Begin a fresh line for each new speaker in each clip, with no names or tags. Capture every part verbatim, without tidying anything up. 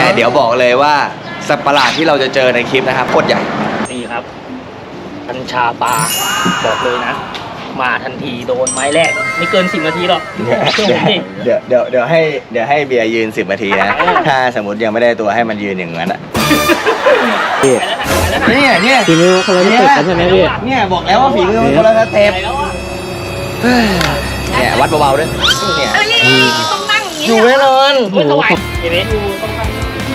เดี๋ยวบอกเลยว่าสัตว์ประหลาดที่เราจะเจอในคลิปนะครับโคตรใหญ่
นี่ครับกัญชาปลาบอกเลยนะมาทันทีโดนไม้แรกไม่เกินสิบนาทีหรอก
เดี๋ยวเดี๋ยวเดี๋ยวให้เดี๋ยวให้เบียร์ยืนสิบนาทีนะถ้าสมมติยังไม่ได้ตัวให้มันยืนอย่างนั้นอ่ะเนี่ยเนี่ย
ฝีมือคนละสเต็ปกันใช่ไหมพี่
เนี่ยบอกแล้วว่าฝีมือมันคนละสเต็ปเนี่ยวัดเบาๆด้วยเนี่ย
ต้องนั่งอย่างนี้
อยู่แน่นอน
โอ้โหเห็นไหมอยู่ต้องนั่ง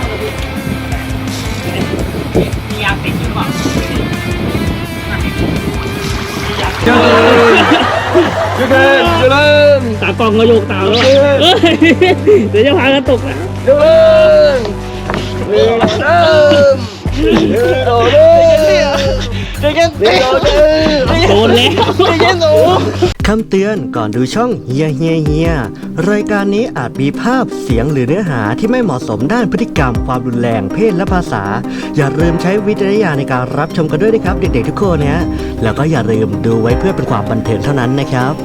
มียาติดอยู่หรือเปล่า
เจริญเจริญเจริญ
ตากล้องก็โยกตาแล้วเดี๋ยวจะพากันตกนะ
เจริญเจริญเจริญโดนเจริญโดน
โดนแล้ว
เจริญโดน
คำเตือนก่อนดูช่องเฮียเฮียเฮียรายการนี้อาจมีภาพเสียงหรือเนื้อหาที่ไม่เหมาะสมด้านพฤติกรรมความรุนแรงเพศและภาษาอย่าลืมใช้วิจารณญาณในการรับชมกันด้วยนะครับเด็กๆทุกคนนะแล้วก็อย่าลืมดูไว้เพื่อเป็นความบันเทิงเท่านั้นนะครับ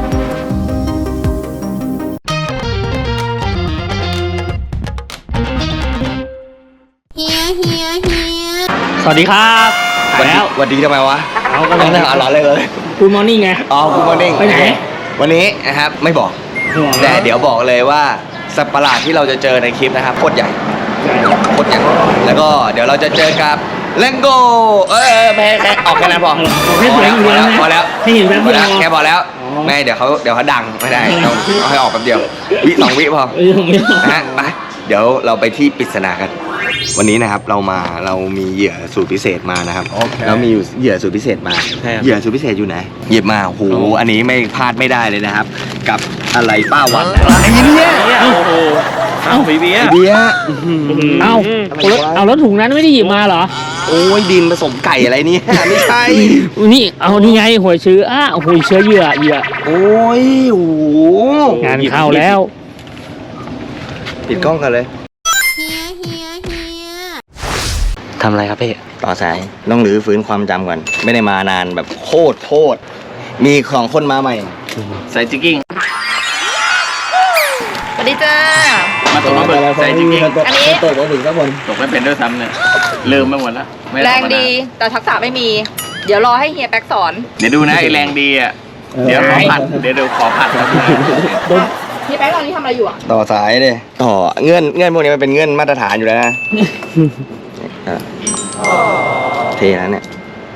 เฮียเฮียเฮีย
สวัสดีครับ
วันนี้วันดีทำไมวะ
เอาก็
ไม่ได้เอาหลอนเลยเลย
คุณมอร์นิ่งไง
อ๋อคุณมอร์นิ่ง
ไปไหน
วันนี้นะครับไม่บอกแต่เดี๋ยวบอกเลยว่าสัตว์ประหลาดที่เราจะเจอในคลิปนะครับโคตรใหญ่โคตรใหญ่แล้วก็เดี๋ยวเราจะเจอกับเลงโก้เออไม่แค่ออกแค่นั้นพอพอแล้วพอแล้ว
ให้เห็นแป๊บเดียว
แค่พอแล้วไม่เดี๋ยวเขาเดี๋ยวเขาดังไม่ได้ต้องเอาให้ออกแป๊บเดียววิสองวิพอนะฮะไปเดี๋ยวเราไปที่ปริศนากันวันนี้นะครับเรามาเรามีเหยื่อสูตรพิเศษมานะครับเรามีเหยื่อสูตรพิเศษมาเหยื่อสูตรพิเศษอยู่ไหนหยิบมาโอ้โหอันนี้ไม่พลาดไม่ได้เลยนะครับกับอะไรป้าวันอะไรเนี่ย
โอ้โหเอาบีเบีย
เบีย
เอาเอาแล้วถุงนั้นไม่ได้หยิบมาเหรอ
โอ้ยดินผสมไก่อะไรเนี่ยไม่ใช่
นี่เอานี่ไงหัวเชื้ออ่ะหัวเชื้อเหยื่อเหยื่อ
โอ้ยโอ้
งานเข้าแล้ว
ปิดกล้องกันเลยทำอะไรครับพี่ต่อสายต้องหรือฟื้นความจำก่อนไม่ได้มานานแบบโคตรโคตรมีของคนมาใหม่ใส่จิกกิ้ง
สวัสดีจ้า
มาตกมาเบิกใส่จิกกิ้ง
อันนี้
ตกมาถึงสักคนตกไม่เป็นด้วยซ้ำเนี่ยลืมไปหมดแล้ว
แรงดีแต่ทักษะไม่มีเดี๋ยวรอให้เฮียแป๊กสอน
เดี๋ยวดูนะไอ้แรงดีอ่ะเดี๋ยวขอผัดเดี๋ยวเดี๋ยวขอผัด
เฮียแป๊กตอนนี้ทำอะไรอยู่อ่ะ
ต่อสายเลยต่อเงื่อนเงื่อนพวกนี้มันเป็นเงื่อนมาตรฐานอยู่แล้วนะเทแล้วเนี่ย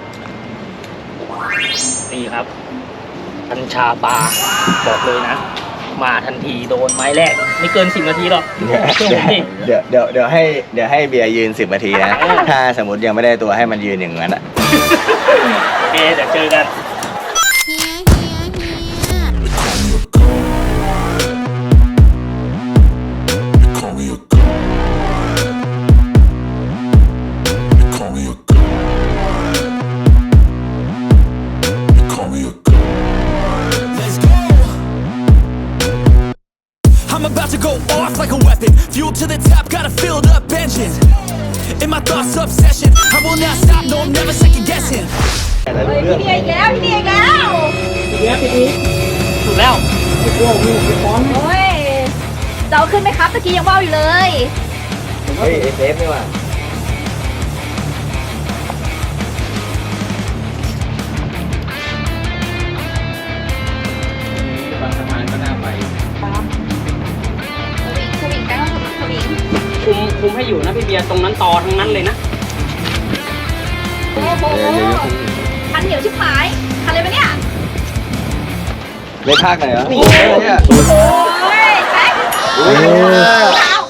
นี่ครับกัญชาปลาบอกเลยนะมาทันทีโดนไม้แรกไม่เกินสิบนาทีหรอก
เดี๋ยวเดี๋ยวเดี๋ยวให้เดี๋ยวให้เบียร์ยืนสิบนาทีนะถ้าสมมติยังไม่ได้ตัวให้มันยืนอย่างนั้นอ่ะ
โอเคเดี๋ยวเจอกัน
I'm about to go off like a weapon. Fuel to the top, got a filled up engine. In my thoughts, obsession. I will not stop, no, I'm never second guessing.
พี่เดียอีกแล้วพี่เดียอีกแล้ว
อีกแล้วพี่อีกถูกแล้วโอ้โหฟ้อง
โอ้ยจะเอาขึ้นไหมครับตะกี้ยังว่าวอยู่เลย
เฮ้ยเซฟนี่ว่ะ
คุมคุมให้อยู่นะพี่เบียร์ตรงนั้นต่อทั้งนั้นเลยนะ
โอ้โหคันเหนียวชิบหายคันเลยปะเนี่ย
เล่นภาคไหนเหรอโอ้
ยโอ้ยแป๊กโอ้ย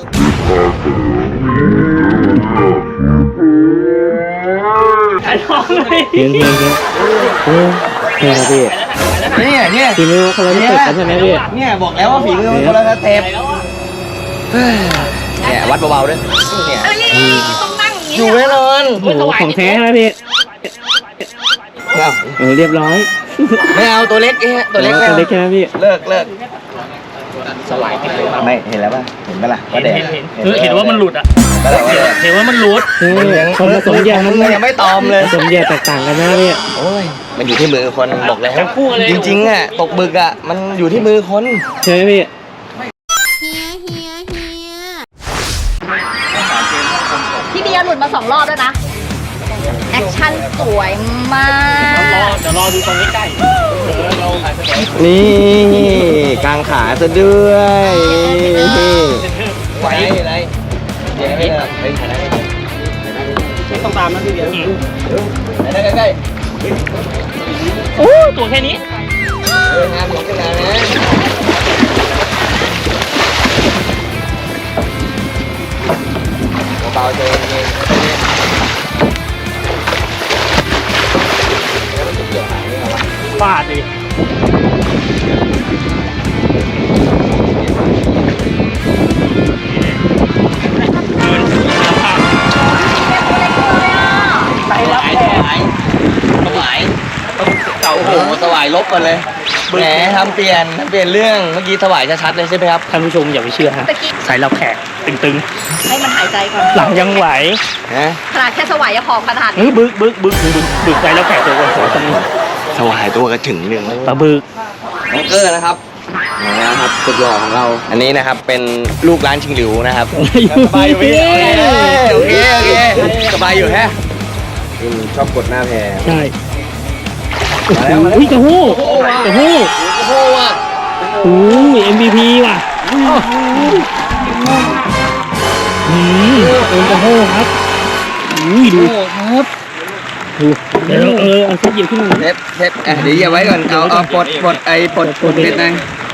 ไอ้ท้องเลย
เห็นเห็นเห็นโอ้เห็นครับพี่
เนี่ยเนี่ย
ฝีมือคนละสเต็ปกันใช่ไหมพี่
เนี่ยบอกแล้วว่าฝีมือคนละสเต็ปเนี่ยวัดเบาๆด้วยเนี่ย
ต้องนั่งอย่างนี้
อยู่แน่นอน
โอ้โหของแท้นะพี่เออเรียบร้อย
ไม่เอาตัวเล็กเองตัวเล็ก
ตัวเล็กแค่พี่
เลิกเลิกสลายไม่เห็นแล้วป่ะเห็นป่ะล่ะว่าแดง
เห็นว่ามันหลุดอ่ะเห็นว่ามันหลุด
คนผสมแยก
มันยังไม่ตอมเลย
ผสมแยกแตกต่างกันนะพี่
โอ้ยมันอยู่ที่มือคนบอกแล้วจริงๆอ่ะตกบึกอ่ะมันอยู่ที่มือคน
ใช่ไหมพี่
ยหลุดมาสองรอบแล้วนะ แอคชั่นสวยมาก
เดี๋ยวรอดูตรงนี้ใกล้เรา
นี่กางขาซะด้วยนี่
ไหว
อะไรเดี๋ยวให้เราไปถ่ายได้
ไม่ต้องตามนะพี่เบียร์
ถ่ายได้ใกล้
โอ้ตัวแค่นี้
ๆเอองานของกันนะเบาๆเจอเองแล้วมันจะเกี่ยวหางนี่เหรอวะ
ฟาดดิไปรับแขก
สวายเก่าโอ้โหสวายลบกันเลยแหมทำเปลี่ยนทำเปลี่ยนเรื่องเมื่อกี้สวายชัดๆเลยใช่ไหมครับ
ท่านผู้ชมอย่าไปเชื่อฮะ
ตะกี้
ใส่รับแขกตึง
ให้มันหายใจก่อน
ๆ หลังยังไหว
ฮะ
ขนาดแค่สวายยังพอขนาด
เฮ้ยบึกบึกบึกบึกบึกใส่รับแขกตัวคนตรงนี้
สวายตัวกระถึงหนึ่ง
ปลาบึก
น้องเกอร์นะครับนะครับสุดหล่อของเรา อันนี้นะครับเป็นลูกร้านชิงหลิวนะครับสบายอยู่พี่โอเคโอเคสบายอยู่แฮะชอบกดหน้าแพร
ใช่
มาแล้วมาแล้ว
อุ้ยกระหู้กระหู้
โอ้โหว่ะ
โอ้ย เอ็ม วี พี ว่ะอืมเป็นกระหู้ครับอุ้ยดู
โอ้ครับ
ดูเดี๋ยวเออเอาเส้นเหยียบขึ้นมา
เทปเทปอ่ะเดี๋ยวอย่าไว้ก่อนเอาเอาปลดปลดไอ้ปลดปลดเพชรนะ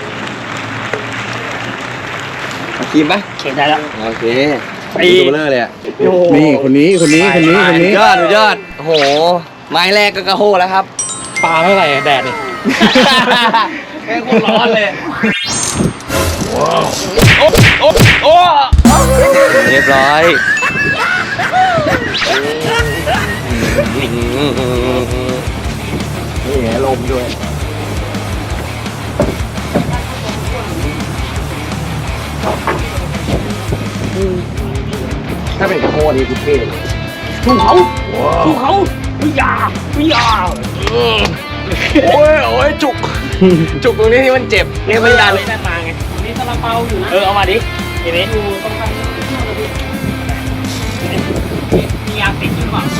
เอาครีมปะ
เขียนได้แล้ว
โอเค
ไอ้
ดูเบลอเลยอ่ะ
นี่คนนี้คนนี้คนนี้คนนี้
ยอดยอดโอ้โหไม้แรกก็กระโหแล้วครับ
ปลาเท่าไหร่แดดนี่
แม่งโคตรร้อนเลยโอ้โอ้โอ้เรียบร้อยนี่ไงลมด้วยถ้าเป็นกระโหนี่คือเท่เลย
ถูกเขาถูกเขาวิยาวิยา
โอ้ยโอ้ยจุก จุกตรงนี้ที่มันเจ็บเนี่ยไม่ดัน
เลยนั่นมาไงนี่ซาลาเปาอยู่นะเออเอามาดิเห็นไหมอยู่ตรงกลางมียาติดอยู่หรือเปล่า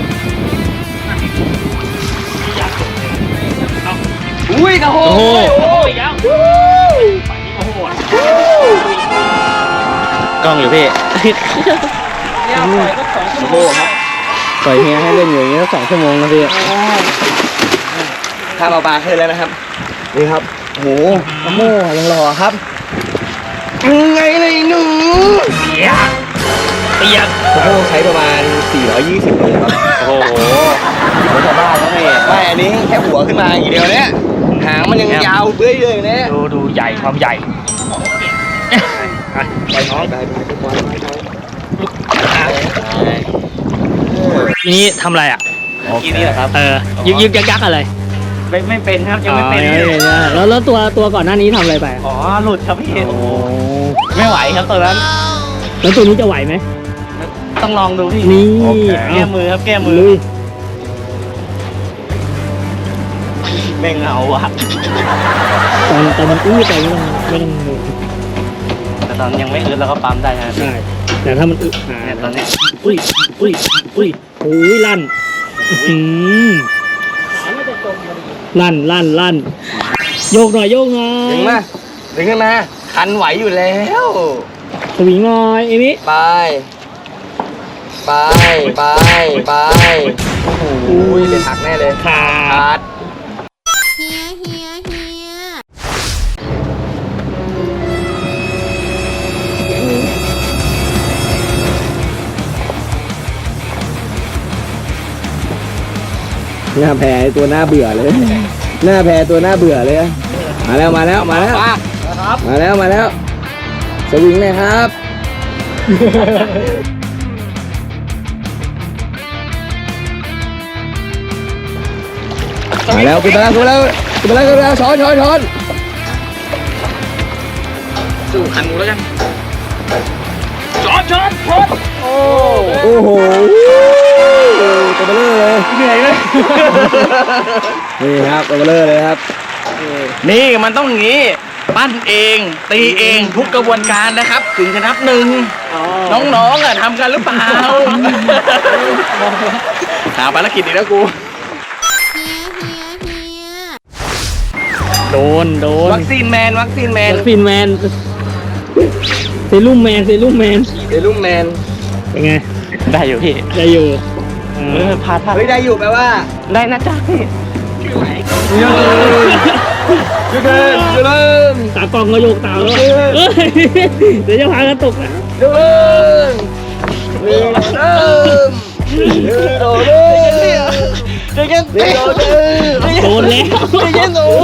มียาติดเอา
อุ้ยกระโห
โอ้โหโอ้ยแล้วฝั่งนี้โอ้โห
กล้องอยู่พี่
เนี่ยปล่อยก็สองชั่วโมงครับ
ปล่อยเฮียให้เล่นอยู่อย่างนี้สองชั่วโมงนะพี่
ข้ามเอาปลาขึ้นแล้วนะครับ นี่ครับโหกระโหยังหล่อครับยังไงเลยหนู
เปียกเปียก
กระโหใช้ประมาณสี่ร้อยยี่สิบโลครับ
โอ้โห
รถชาวบ้านแล้วนี่ไม่อันนี้แค่หัวขึ้นมาอย่างเดียวเนี่ยหางมันยังยาวเบ้ยเลยเนี่ย
ดูดูใหญ่ความใหญ่ไปน้อง
ไปไปทุกวัน
ทีนี้ทำอะไรอ่ะ
ทีนี้เหรอครับ
เออยึกยึกยักยักอะไร
ไม่ไม่เป็นครับยังไม่เป็น
อ๋อยังไม่เป็นนะแล้วแล้วตัวตัวก่อนหน้านี้ทำอะไรไป
อ๋อหลุดครับพี่ไม่ไหวครับตอนนั้น
แล้วตัวนี้จะไหวไหม
ต้องลองดูพี่
นี่
แก้มือครับแก้มือ
ลุย
แม่งเอาอะ
ตอนตอนมันอื้อไปไม่ต้องไม่ต้อง
แต่ตอนยังไม่อึดแล้วก็ปั๊มได้นะ
ใช่แต่ถ้ามันอึอ่า
เนี่ยตอนเนี้ย
อุ้ยอุ้ยอุ้ยโอ้ยลั่นอื้อหือลั่นลั่นลั่นโยกหน่อยโยกหน่อย
ดึงมาดึงขึ้นมาคันไหวอยู่แล้ว
สวิงหน่อยเอมิ
ไป ไป ไป ไป โอ้โหเดี๋ยวหักแน่เลย
ขา
ขาด
เฮียเฮียเฮีย
หน้าแพรตัวหน้าเบื่อเลย หน้าแพรตัวหน้าเบื่อเลยอะมาแล้วมาแล้วมาแล้วมาแล้วมาแล้วสวิงเลยครับ มาแล้วขึ้นมาแล้วขึ้นมาแล้วขึ้นมาแล้วขึ้นมาแล้วช้อนช้อนช้อน
สู่ขันหมูแล้วกันช็อตช็อตช็อตโอ้
โอ้โหตัวเบลอเลย
เหนื่อยเลย
นี่ครับตัวเบลอเลยครับ
นี่มันต้องอย่างนี้ปั้นเองตีเองทุกกระบวนการนะครับ ถึงจะนับหนึ่งน้องๆอ่ะทำกันหรือเปล่าหาภารกิจอีกแล้วกู
เฮียเฮียเฮีย
โดนโดน
วัคซีนแมนวัคซีนแมน
วัคซีนแมนเซรุ่มแมนเซรุ่มแมน
เซรุ่มแมน
เป็นไง
ได้อยู่พี่
ได้อยู่
เออพาท่า
เฮ้ยได้อยู่แปลว่า
ได้นะจ๊ะพี่
เยอะเลยเยอะเลยเยอะเลย
ตากล้องก็โยกตามแล้วเอ้ยเดี๋ยวจะพากันตกนะ
เยอะเลยเริ่มเริ่มเริ่มเริ่มเริ่มเริ่ม
โดนแล้ว
เย็นหนู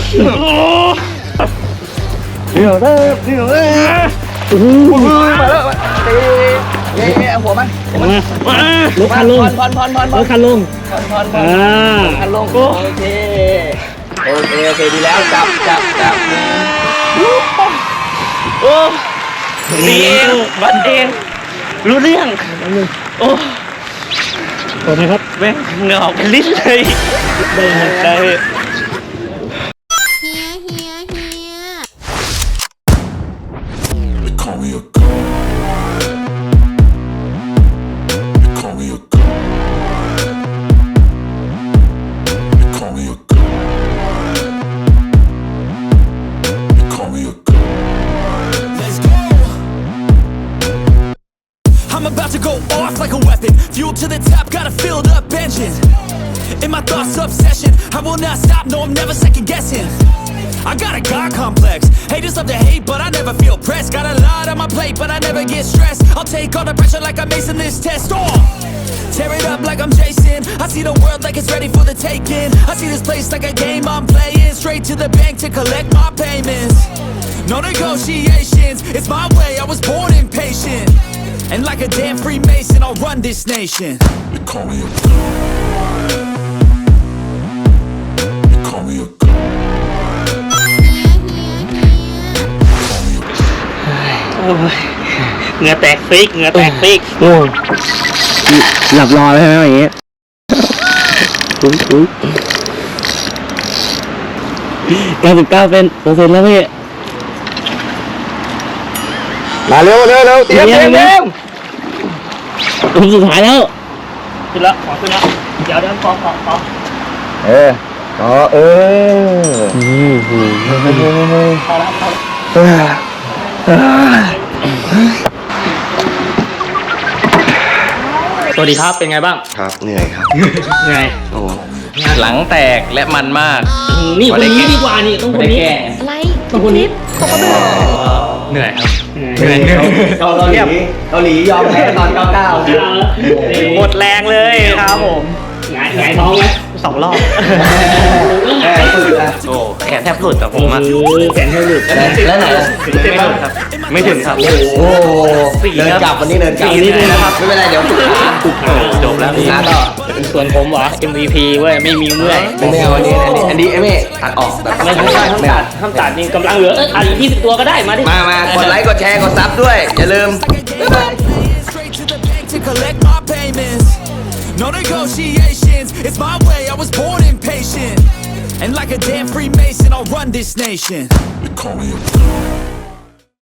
เดี๋ยวเริ่มเดี๋ยวเริ่มมาแล้วตีเย้เย้หัวมัน
มามาลกคันลง
พอนพอนพอนพ
ล
อน
กคันลง
พอนพอนพอน
อ่า
คันลงโอเคโอเคโอเคดีแล้วจับจับจับ
โอ้ตีเองวัดเอง รู้เรื่อง โอ้
โดนไหมครับ
แม่งเหงื่อออกเป็นลิ้นเลย
ได้ไหม
ได้
เฮียเฮียเฮีย
They call me a god. They call me a god. They call me a god. They call me a god. Let's go. I'm about to go off like a weapon. Fuel to the top, got a filled up engine. In my thoughts, obsession. I will not stop, no, I'm never second guessing. I got a God complex. Haters love to hate, but I never feel pressed. Got a lot on my plate, but I never get stressed. I'll take all the pressure like I'm acing this test. Oh, tear it up like I'm Jason. I see the world like it's ready for the taking. I see this place like a game I'm playing. Straight to the bank to collect my payments. No negotiations, it's my way. I was born impatient. And like a damn Freemason, I'll run this nation. They call me a god. They call me a god.
โอ้ยเหงื่อแตกฟิกเหงื่อแตกฟิก
โอ้หลับรอแล้วใช่ไหมอย่างงี้อุ้ยอุ้ยเก้าสิบเก้าเป็นเปอร์เซ็นต์แล้วพี่
มาเร็วเร็วเร็วเตรียมเตรียมเตรียม
ผมสุดท้ายแล้วขึ้นแล้วขอขึ้นแล้วเดี๋ยวเดี๋ยวขอขอขอ
เอออ๋อเออ
พอแล้วพอแล้ว สวัสดีครับ เป็นไงบ้าง
ครับเหนื่อยครับ
ไง
โอ้
หลังแตกและมันมาก
นี่คนนี้ดีกว่านี่ต้องคนนี้
อะไร
ต้องคนนี้
ตกกระเบือ
เหนื่อยครับ
เหนื่อยเหนื่อย
เกาหลีเกาหลียอมแพ้ตอนเก้าเก้า
หมดแรงเลยครับผม
หงายหงายท้องไหม
สองรอบ
แพ้สุดละ
โอ้แขนแทบหลุดแต่ผมอะ
โอ้แขนให้หลุด
แล้วไหนล่ะ
ไม่ถึงครับ ไม่ถึงครับ
โอ้เดินกลับวันนี้เดินกลับ
สี่นิดนะครับ
ไม่เป็นไรเดี๋ยวฝึกขา
ถูกขา
จบแล้ว
ฝึกขาต่อ
ส่วนผมเหรอ เอ็ม วี พี เว้ย ไม่มีเมื่อย
ไม่เอาอันนี้อันนี้อันนี้ไม่ตัดออกตัด
ไม่ไม่ห้ามตัดห้ามตัดนี่กำลังเหลือเออตัดอีกยี่สิบตัวก็ได้มาดิ
มามากดไลค์กดแชร์กดซับด้วยอย่าลืม
Straight to the bank to collect my payments. No negotiations, it's my way. I was born impatient. And like a damn Freemason, I'll run this nation. They call me a god.